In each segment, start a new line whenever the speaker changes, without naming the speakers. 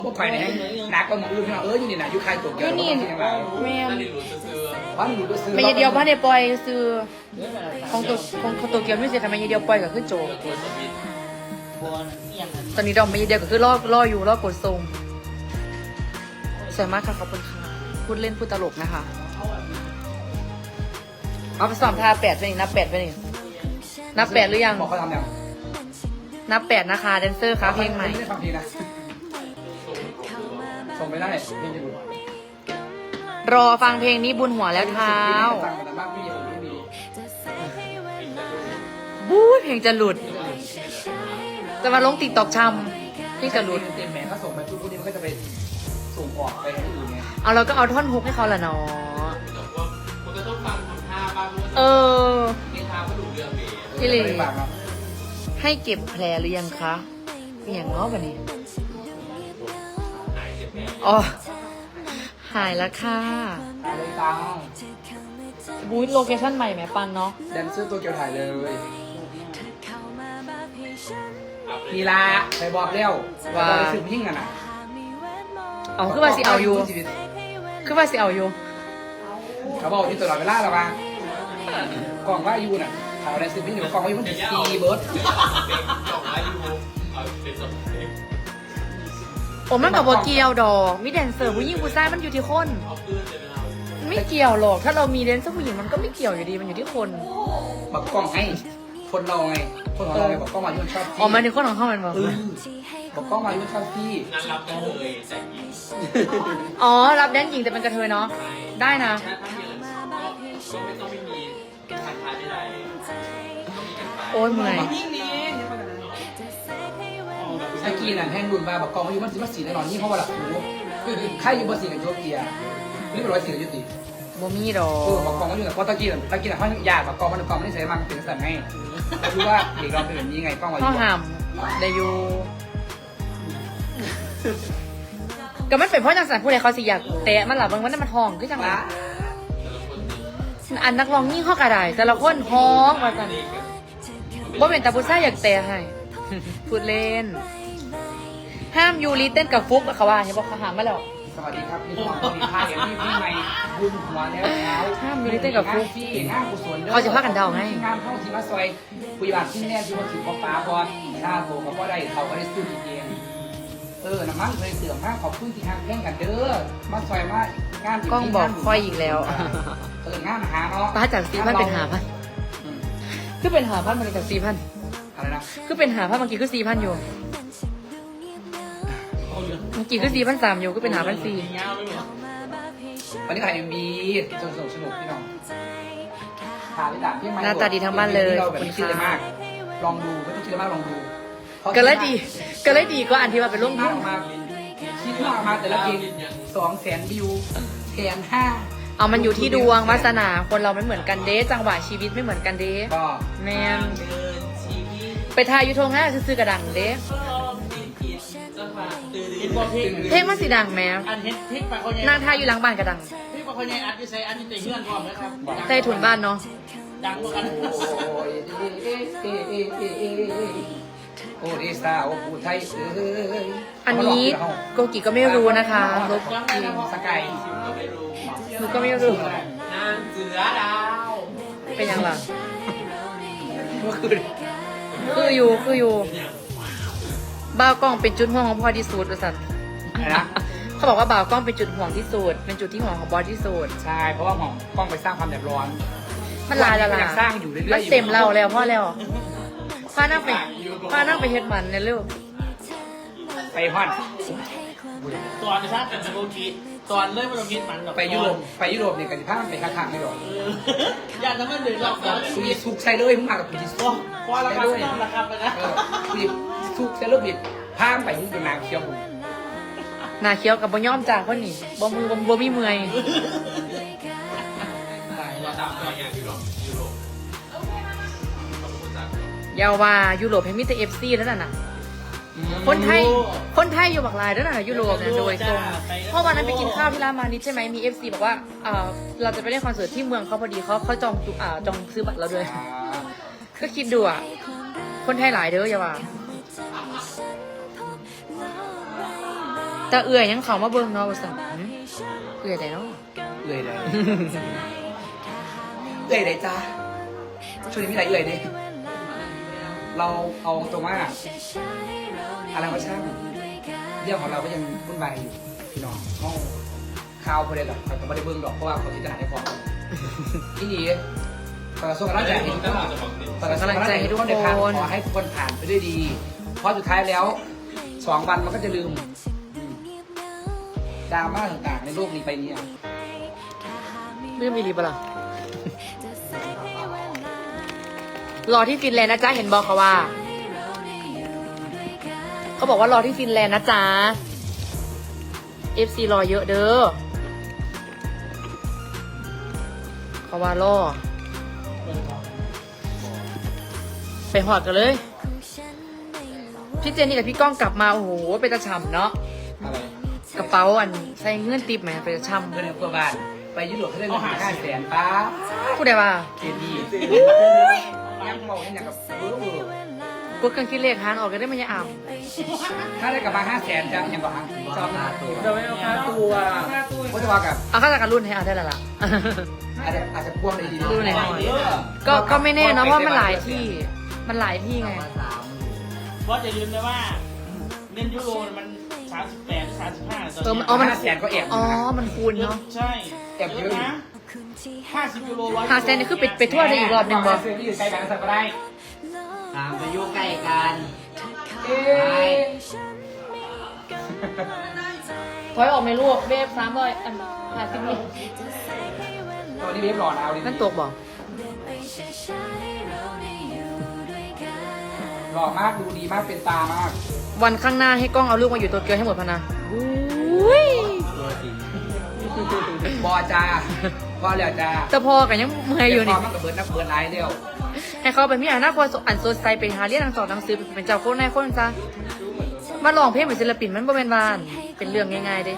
พวกใครเนี่ยหนักกว่าหมออื่นอยู่นี่นะอยู่ใครตัวเกี่ยวกับที่ยังไง
แม่น
บ้านหลุดไปซื้อ
ไม่เดียวบ้านในปล่อยซื้อของตัวเกียวไม่เสียทำไมเดียวปล่อยก็ขึ้นโจตอนนี้ดอกไม่เดียวก็คือล่ออยู่ล่อกดทรงสวยมากค่ะขอบคุณค่ะพูดเล่นพูดตลกนะคะเอาไปสอบท่า8ไปนี่นับ8ไปนี่นับ8หรือยัง
บอกเขาทำยัง
นับ8นะคะแดนเซอร์ค่ะเพลงใหม่
ไม่ได้ฟังเพลงนะส่งไม่ได้เพลงจะหลุด
รอฟังเพลงนี้บุญหัวแล้วเท้า
ฟังแต่บ้างพี่ยังไม่มี
บู๊เพลงจะหลุด จะมาลงติ๊กตอกช้ำเพลงจะหลุด
เต็มแหมเขาส่งไปพวกนี้มันก็จะไปส่งออกไปให้อื่นไง
เอาเราก็เอาท่อนฮุกให้เขาละเนาะ
มันก็ต้องฟังทำท่าบ้าง
เออ
มีท่าก็ดูเรื่องเบส
พี่ลี
ไม่ฟังครับ
ให้เก็บแผลหรือยังคะมีอย่างง้อวันนี้
หายเจ็บแผล
อ๋อ หายแล้วค่ะ
เลยตัง
บูธโลเคชั่นใหม่แหมปังเนาะ
แดนเซอร์ตัวเกียวถ่ายเลยนี่ละไปบอกแล้วว่าไปซื้อพิ้งกันนะ
เอาคือว่าสิเอาอยู่คือว่าสิเอาอยู่
เขาบอกอยู่ตลอดเวลาแล้วว่ากล่องว่าอยู่น่ะเขาได้ซื้อพิ้งเดี๋ยวกล่องว่าอยู่มันตีเบิร์ด
เป็นสองอายุเอาเป็นสองเพลง
ผมมันกับโบเกียวดอกมีแดนเซอร์ผู้หญิงผู้ชายมันอยู่ที่คน
เอาปืนเลยไหมครับ
มันไม่เกี่ยวหรอก ถ้าเรามีแดนเซอร์ผู้หญิงมันก็ไม่เกี่ยวอยู่ดีมันอยู่ที่คน
บอกกล้องไงคนเราไงคนของเราไงบอกกล้องมาที่มันชอบพี่
อ๋อหมายถึงคนของเขามันบอก
บอกกล้องมาที่มันชอบพี่
งานรับกันเลยแต่ยิง
อ๋อรับแดนหญิงแต่เป็นกระเทยเนาะได้นะ
ถ้าเยอะก็ไม่ต้องไม่มีทักทายไม่ได้ต้องมีกันไป
โอ้ยเมื่อย
ไอ้กีน่ะแห้งรุนมาบอกกล้องว่าอยู่มันสิมาสีแน่นอนนี่เพราะว่าหลักหูใครอยู่บนสีกับโยเกียนี่เป็นร้อยสีกับยุติ
บ่มีดอก
บอกกล้องว่าอยู่แต่เพราะตะกี้น่ะเขาอยากบอกกล้องมันกล้องมันนี่ใส่มันเป็นสัตว์ไงรู้ว่าเด็กเราเป็นแบบนี้ไงกล้องว่าอ
ข้าว
ยู่
หามได้อยู่ก็มันเป็นเพราะจังสันผู้ใดเขาสิอยากแตะมันหลับบางวันนั้นมันห้องคือจังหวะอันนักร้องยิ่งเข้ากระไดแต่ละคนห้องมากันบ่เป็นตาผู้ชายอยากแตะให้ พูดเล่น ห้ามยูรีเต้นกับฟุกเขาว่าเห็นบอกเขาหามมาแล้ว
สวัสดีครับพี่น้องสวัสดีค่ะเดี๋ยวพี่ใหม่บุญหัวแล้วเช้า
ห้ามยูริเต้นกับฟุก
พี่งานกุศล
เขาจะพากันเดาไง
งานเข้าทีมาซอยคุยบาทที่แน่ที่ว่าถือฟ้าบอลชาโตกับว่าได้เขาก็ได้ซื้อเองน้ำมันเคยเสื่อมมากขอบคุณที่ทางแข่งกันเด้อมาซอยมางาน
กล้องบอกค่อยอีกแล้ว
งานหาเนาะ
ป้าจาก4,000เป็น5,000คือเป็น5,000มันจาก4,000
อะไรนะ
คือเป็น5,000เมื่อกี้คือ4,000อยู่เมื่อกี้คือ4,300อยู่ก็เป็น5,400
ยาวไม่หมด
วันนี้ถ่ายMVสนุกพี่น้องถ่ายไม่ด่าพี่ใหม่
หน้าตาดีทั้งบ้านเลยขอบคุณ
คิดเลย
ค่ะ
มากลองดูไม่ต้องคิดมากลองดู
ก็เลยดีก็อันที่ว่าเป็นร่วม
คิ
ทุ
ด
น
มากมาแต่ละเพลง200,000 วิว1,500,000
เอามันอยู่ที่ดวงวาสนาคนเราไม่เหมือนกันเด้จังหวะชีวิตไม่เหมือนกันเด้
ก็
แมน
เดินชีวิต
ไปทายยูทงห้าซื้อกระดังเด้
จังหวะตื่น
เห็นบอกเพลง
เพลงมันสีดังแม่
อันเห็นพริกปลาเขาใหญ่
นางทายอยู่หลังบ้านกระดัง
พริกปลาเขาใหญ่อัดที่ใส่อันนี้แต่เฮือนพร้อมนะครับ
ใต้ถุนบ้านเนาะ
ดังเหมือนกัน
โอ้ดิสาโอ้ผู้ไทยเอ้ย
อันนี้โกกิก็ไม่รู้นะคะลบ
ยังไงนะพ่อ
สกาย
ไม่รู้
หนูก็ไม่รู้
นางเสือดาว
เป็นยังล่ะ
เมื่อคืน
คืออยู่บ่าวกล้องเป็นจุดห่วงของพ่อที่สุดว่าสัน
อะไรนะ
เขาบอกว่าบ่าวกล้องเป็นจุดห่วงที่สุดเป็นจุดที่ห่วงของบอสที่สุด
ใช่เพราะว่าหมองกล้องไปสร้างความเดือดร้อน
มันลายละ
อ
ล่ะ
ยากสร้างอยู่เรื่อยๆ
มันเต็มเราแล้วพ่อแล้วพานั่งไปเฮ็ดมันเนี่ยเร็ว
ไปฮอน
ตอนนะครับเป็นสโลกีตอนเริ่มมาลงคิดมันแบบ
ไปยุโรปเนี่ยกันที่ภาคมันไปข้างๆไม่หรอก
อยากจะไม่เดือดร้อน
คุยสุกใส่เลยมึงมากับกูที่สุก
พอละครับต้องละครับไปนะ
คุยสุกใส่เลยบิดพามไปมึงเป็นนางเคียวบุญ
หนาเคี้ยวกับบ่ย่อมจ่าคนนี้บ่มีเมื่อย
เราตามตัวอย่างยุโรป
อยาวว่ายุโรปให้มีแต่ FC นั่นน่ะคนไทยอยู่บักลายนั่นน่ะยุโรปเนี่ยโดยตรงเพราะวันนั้นไปกินข้าวที่ร้านมานิดใช่ไหมมี FC บอกว่าเราจะไปเล่นคอนเสิร์ตที่เมืองเขาพอดีเขาจองซื้อบัตรเราด้วยก็คิดดูอ่ะคนไทยหลายเด้ออย่าว่าแต่เอื่อยยังเขามาเบิ่งเนาะว่าสั่นเอื่อยได้เนาะ
เอื่อยเลยเอื่อยเลยจ้าช่วงนี้มีอะไรเอื่อยดิเราเอาตรงว่าอะไรก็ช่างเรื่องของเราก็ยังวุ่นวายอยู่พี่น้องห้องข่าวประเด็นหรอกแต่ไม่ได้เบิ่งหรอกเพราะว่าเขาจิตนาให้พอที่นี่ส่งกำลังใจให้ทุกคนส่งกำลังใจให้ทุกคนในทางขอให้ทุกคนผ่านไปด้วยดีเพราะสุดท้ายแล้ว2 วันมันก็จะลืมดราม่าต่างๆในโลกนี้ไปนี้
ไม่มีรีบล่ะรอที่ฟินแลนด์นะจ๊ะเห็นบอกเขาว่าเขาบอกว่ารอที่ฟินแลนด์นะจ๊ะ FC รอเยอะเด้อเขาว่ารอไปหอดกันเลยพี่เจนนี่กับพี่ก้องกลับมาโอ้โหไปตะฉ่ำเนาะ
อะไร
กระเป๋าอันใส่เงื่อนติบไหมไปตะฉ่ำ
เพื่อนในเพื่อนบ้านไปยุโรปเขาได้เงิน500,000ป้า
พูดได้ว่า
เจดียังบอกให้อย่างกับ
กดเครื่องคิดเลขหารออกก็ได้ไม่ยอ่ำ
ถ้าได้กลับมา500,000จะยังบอกจอมหน้าตัว
จะไม่เอาค่าตัว
ก็จะว่ากับ
เอาข้าจากการรุ่นให้เอาได้แล้วล่ะ
อาจจะพ่วงในดี
รุ่นไหนหน่อย ก็ไม่แน่เนาะเพราะมันหลายที่มันหลายที่ไง
เพราะจะลืมนะว่าเล่นยูโรมัน38 35
มัน
500,000ก็แอบ
อ๋อมันคูณเนาะ
ใช่
แอบเยอะอยู่
นะ50ยูโร
หาเซนนี่คือไปทั่วได้อีกรอบหนึ่งบ่
ซื้อที่อยู่ใกล้กันสักก็ได้
ตามไปยุ่งใกล้กัน
ถอยออกไหมลูกเวฟ300อัน50นี่
ตอนนี้เรียบร้อยแล้วดิ
นั่นตัวบอก
หล่อมากดูดีมากเป็นตามาก
วันข้างหน้าให้กล้องเอาลูกมาอยู่ตัวเกียวให้หมดพะนะอุ้ย
บอจ้าพอแล้วจ้า
แต่พอกันยังเมื่อยอยู่นี่
พอมันกับเบิร์ดนักเบิร์ดไลน์เดียว
ให้เขาเป็นมีอนาคตอันสดใสไปหาเรียนหนังสอนหนังสือเป็นเจ้าโคนนายคนจ้ะมาลองเพลงเป็นศิลปินมันบ่เป็นวานเป็นเรื่องง่ายๆเด้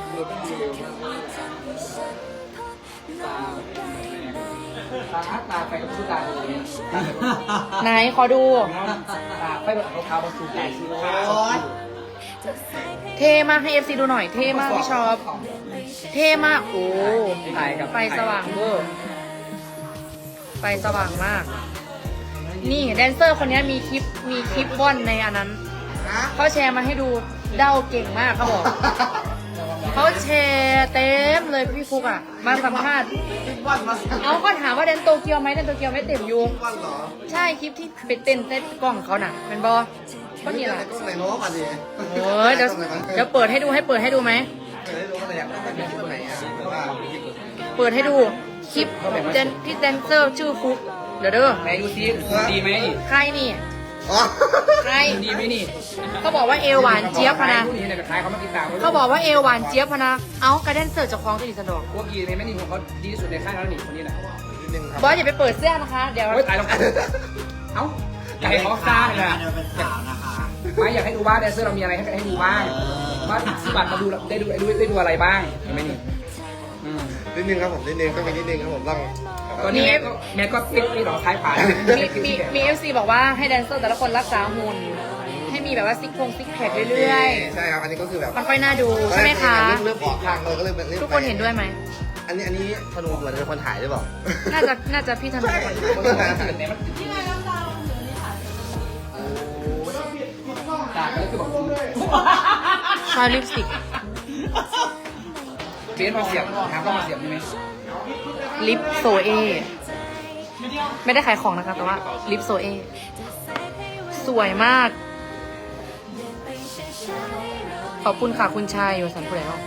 ตาไปกับผู้ตาเลย
ไหนขอดู
ตาไปแบบรองเท้าบนสูงใหญ่สูงขาว
เท่มากให้ FC ดูหน่อยเท่มากพี่ชอบเท่มากโอ้
ถ่ายกับ
ไฟสว่างเวอร์ไฟสว่างมาก นี่แดนเซอร์คนนี้มีคลิปว่อนในอันนั้นเขาแชร์มาให้ดูเด้าเก่งมากเขาบอกเขาแชร์เต็มเลยพี่ฟุกอ่ะมาสัมภาษณ์เอาก็ถามว่าแดนโตเกียวไหมแดนโตเกียวไม่เต็มอยู่ใช่คลิปที่ไปเต้นเต้นกล้องเขาน่ะเป็นบอก็นี่แหละ
ก็ไหนโน้ตมาดิ
โอ้ยเดี๋ยวเปิดให้ดูเปิดให้ดูไหม
ไม่ได้รู้ว่าอะไรอยากได้คลิปไหนอ่ะ
เปิดให้ดูคลิปที่แดนเซอร์ชื่อฟุกเดี๋ยวเด้อ
ไหนดูซิดีไหม
ใครนี่
อ๋อ
ใคร
ดีไหมนี่
เขาบอกว่าเอวหวานเจี๊ยบพะนะ
ผู้นี้เนี่ยกับท้ายเขามาติดตาม
เขาบอกว่าเอวหวานเจี๊ยบพะนะเอ้ากระแดนเซอร์จะคล้องจะดีสะดวก
พวกกีในแม่นี่ของเขาดีที่สุดในค่ายแล้วนี่คนนี้แหละ
นิดนึงครับ
บอสอย่าไปเปิดเสื้อนะคะ เดี๋ยว
โอ้ยตายแล้วเอ้าอยากให้เขาซ่าเลยนะ
เป็นสาวนะคะ
ไม่อยากให้ดูว่าแดนเซอร์เรามีอะไรให้ดูบ้างว่าซื้อบัตรมาดูได้ดูอะไรบ้างเห็นไหมนี่
นิดนึงครับผมนิดนึงก็มีนิดนึงครับผมต้อง
ตอนนี้แม่ก็ปิดหลอกท้ายผ่าน
มีเอฟซีบอกว่าให้แดนเซอร์แต่ละคนรักษาหุ่นให้มีแบบว่าซิกแพคเรื่อย
ใช่ครับอันนี้ก็คือแบบ
ๆ มันค่อยน่าดูใช่ไหมคะ
เริ่มออกทางเลยก็เลย
ทุกคนเห็นด้วยไหม
อันนี้ธนูเหมือนเป็นคนถ่ายหรือเปล่า
น่าจะพี่ธนูเป็นคนถ่าย
จากก็คือบอก
ชาลิปสติก
เบสมาเสียบถามว่ามาเสียบใช่ไหม
ลิปโซเอไม่ได้ขายของนะคะแต่ว่าลิปโซเอสวยมาก ขอบคุณค่ะคุณชายอยู่สันผู้ใดเนาะ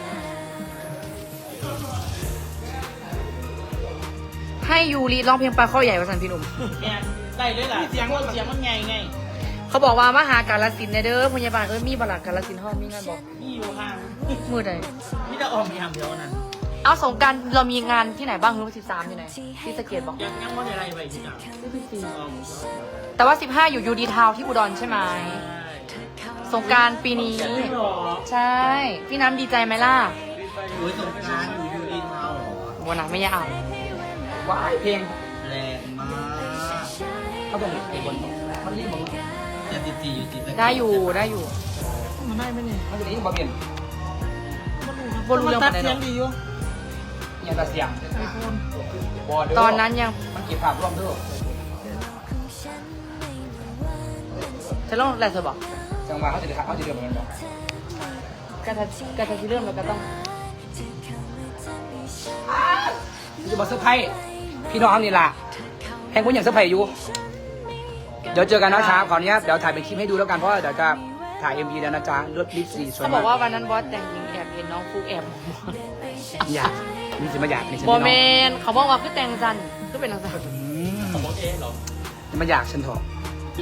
ให้ยูรีร้องเพลงปลาข้อใหญ่ว่าสันพี่หนุ่ม
เนี่ยได้เลยล่ะเสียงมันไง
เขาบอกว่ามาหากาลสินธุ์เด้อพยาบาลมีบลักกาลสินธุ์ห้องมีงานบอก
นี่อยู่ห่าง
มือใด
นี่จะออกมีห่างเดียวนั้น
เอาสงกรารเรามีงานที่ไหนบ้างคือ13อยู่ไหนที่สะเกตบอก
ยังว่าอะไรไปที่ไหน
แต่ว่า15อยู่ยูดีทาวที่อุดรใช่ไหมสงกรารปีนี้ ใช่ พี่น้ำดีใจไหมล่ะ
โอ้ยสงกรานต์อยู่ดีเทาเหรอ
วันนั้นไม่อยากอ่าน
ว้ายเพลง
แรงมาก
เขาบอกไอ้บนมันรีบบอก
แต่ตีอยู่ตี
ได้อยู่มันได้ไหมเนี่ย
มันจะนี้บอเบียน
บ่รู้เรื่อง
ตั
ปา
ด
นใด
เสี
ห
ย
รง อก
ดีอยู่
ยังตาเสียง
ไอโฟน
บอเดอร์
ตอนนั้นยัง
มันเก็บภาพร่วมด้วย
จะลองแหละเธอบอก
จังหวะเขาจะเดือดเหมือนกันบอก
กระทะที่เริ่มเราก็ต้อง
จะบอกเซอร์ไพรส์พี่น้องนี่ล่ะแห่งคุณอย่างเซอร์ไพรส์อยู่เดี๋ยวเจอกันนะครับขออนุญาตเดี๋ยวถ่ายเป็นคลิปให้ดูแล้วกันเพราะว่าเดี๋ยวจะถ่าย MV แล้วนะจ๊ะเลือดลิปสีสวย
เขาบอกว่าวันนั้นบอสแต่งหญิงแอบเห็นน้องฟุกแอบ
อยากมีสิมาอยากนี่ฉัน
บอ
ไม่
แม
น้อง
นเขาบอกว่าคือแต่งจันคือเป็นจังจัน
สมมติเองเหรอ
มาอยากฉันเถอะ